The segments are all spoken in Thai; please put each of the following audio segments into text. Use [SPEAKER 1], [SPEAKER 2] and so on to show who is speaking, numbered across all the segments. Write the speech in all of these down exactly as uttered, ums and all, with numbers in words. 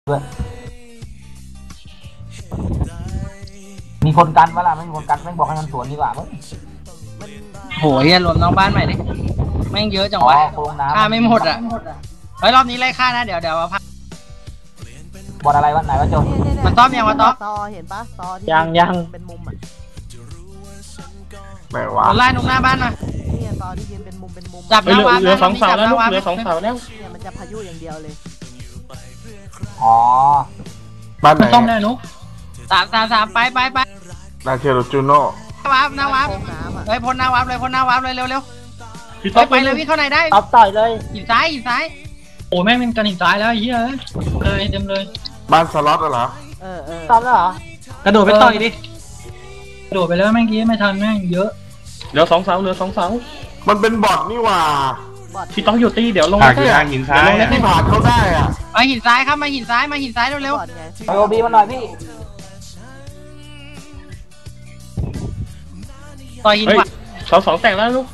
[SPEAKER 1] ด้วยมีคนกันวะล่ะไม่มีคนกันแม่งบอกให้มันสวนดีกว่าเว้ย
[SPEAKER 2] โหเฮียรวมน้องบ้านใหม่ดิแม่งเยอะจังวะฆ่าไม่หมดอ่ะเฮ้ยรอบนี้ไล่ฆ่านะเดี๋ยวเดี๋ยวมาพัก
[SPEAKER 1] บอลอะไรวะไหนวะโจ
[SPEAKER 2] มันต้อมยังวะต้อม
[SPEAKER 3] ตอเห็นปะตอที่
[SPEAKER 1] ยังยัง
[SPEAKER 3] เป็นมุมอ่ะ
[SPEAKER 4] ไหนวะ
[SPEAKER 2] ไล่ตรงหน้าบ้านมา
[SPEAKER 3] นี่ตอที่ยืนเป็นมุมเป็นมุม
[SPEAKER 2] จับหน้าวา
[SPEAKER 5] เหลือสองเสาแล้วเหลือสองเสาแล้ว
[SPEAKER 3] เนี่ยมันจะพายุอย่างเดียวเลย
[SPEAKER 1] อ๋อ
[SPEAKER 4] บ้านไหน
[SPEAKER 5] ต้อมแน่นุ๊ก
[SPEAKER 2] สามสามสามไปไปไป
[SPEAKER 4] นาเชโรจูโน่
[SPEAKER 2] วาร์ปหน้าวาร์ปเลยพ้นหน้าวาร์ปเลยพ้นหน้าวาร์ปเลยเร็วเร็วไปเลยวิ่งเข้าไหนได้
[SPEAKER 1] เอาต่อยเลย
[SPEAKER 2] หินซ้ายหินซ้าย
[SPEAKER 5] โอ้แม่งเป็นกันหินซ้ายแล้วไอ้เหี้ยเลยเต็มเลย
[SPEAKER 4] บ้านสล็อตเหรอ
[SPEAKER 3] เออเออ
[SPEAKER 1] ตอนแล้วเหรอก
[SPEAKER 5] ระโดดไปต่อยดิกระโดดไปแล้วแม่งกี้ไม่ทันแม่งเยอะเหลือสองเสาเหลือสองเสา
[SPEAKER 4] มันเป็นบอทนี่ว่า
[SPEAKER 5] ที่ต้องอยู่ตีเดี๋ยวลง
[SPEAKER 4] เล่นหินซ้ายที่ผ่านเขาได้อ่ะ
[SPEAKER 2] มาหินซ้ายครับมาหินซ้ายมาหินซ้ายเร็วเร็ว
[SPEAKER 1] โอบีมาหน่อยพี่
[SPEAKER 2] ต่อยหินขวา
[SPEAKER 5] เสาสองแตกแล้วลูก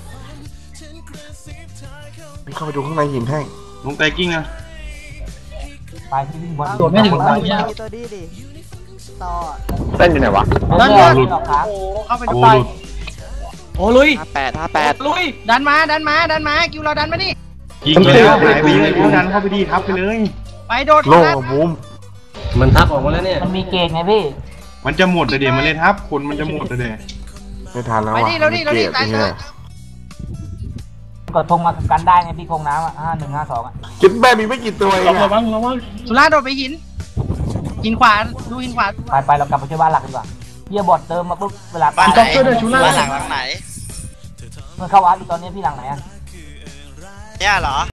[SPEAKER 4] เข้าไปดูข้างในหินแห้ง
[SPEAKER 5] ลงไตกิ้งอ่ะ
[SPEAKER 1] ไปที่วิ่งบอล
[SPEAKER 5] ตัวไม่ถึงตัว
[SPEAKER 3] นี้ตัวดีดิต่อ
[SPEAKER 4] เต้นอยู่ไหนวะ
[SPEAKER 2] ดันมาเข้าไปดูต่อย
[SPEAKER 5] โอ้ลุย
[SPEAKER 6] ห้าแปดห้าแปด
[SPEAKER 5] ลุย
[SPEAKER 2] ดันมาดันมาดันมาคิวเราดันมาดิ
[SPEAKER 5] ยิงแล้วหายไปเลยดันเข้าไปดีทับไปเลย
[SPEAKER 2] ไปโดด
[SPEAKER 4] โล่บูม
[SPEAKER 5] มันทับออกมาแล้วเนี่ย
[SPEAKER 1] มันมีเกณฑ์ไงพี่
[SPEAKER 5] มันจะหมดเลยเดี๋ยวมันเลยทับคนมันจะหมดเลยเดี๋ยว
[SPEAKER 4] ไม่ทันแล้ว
[SPEAKER 2] ไปดิเราดิเราดิตายเลย
[SPEAKER 1] กดทงมากันได้ไงพี่คงน้ำอ่ะห้าหนึ่งห้าสองอ่ะ
[SPEAKER 4] คิดแม่มีไม่กี่ตัวเอง
[SPEAKER 5] ระวังระวัง
[SPEAKER 2] สุราโดดไปหินหินขวาดูหินขวา
[SPEAKER 1] ไปไปเรากลับไปช่วยบ้านหลักดีกว่าเฮียบอดเติมมาปุ๊บเวลา
[SPEAKER 6] บ้านไหนบ้านหลังหลังไหน
[SPEAKER 1] เมื่อเข้าวัดตอนนี้พี่หลังไหนอ่ะ
[SPEAKER 6] เนี่ยเหรอ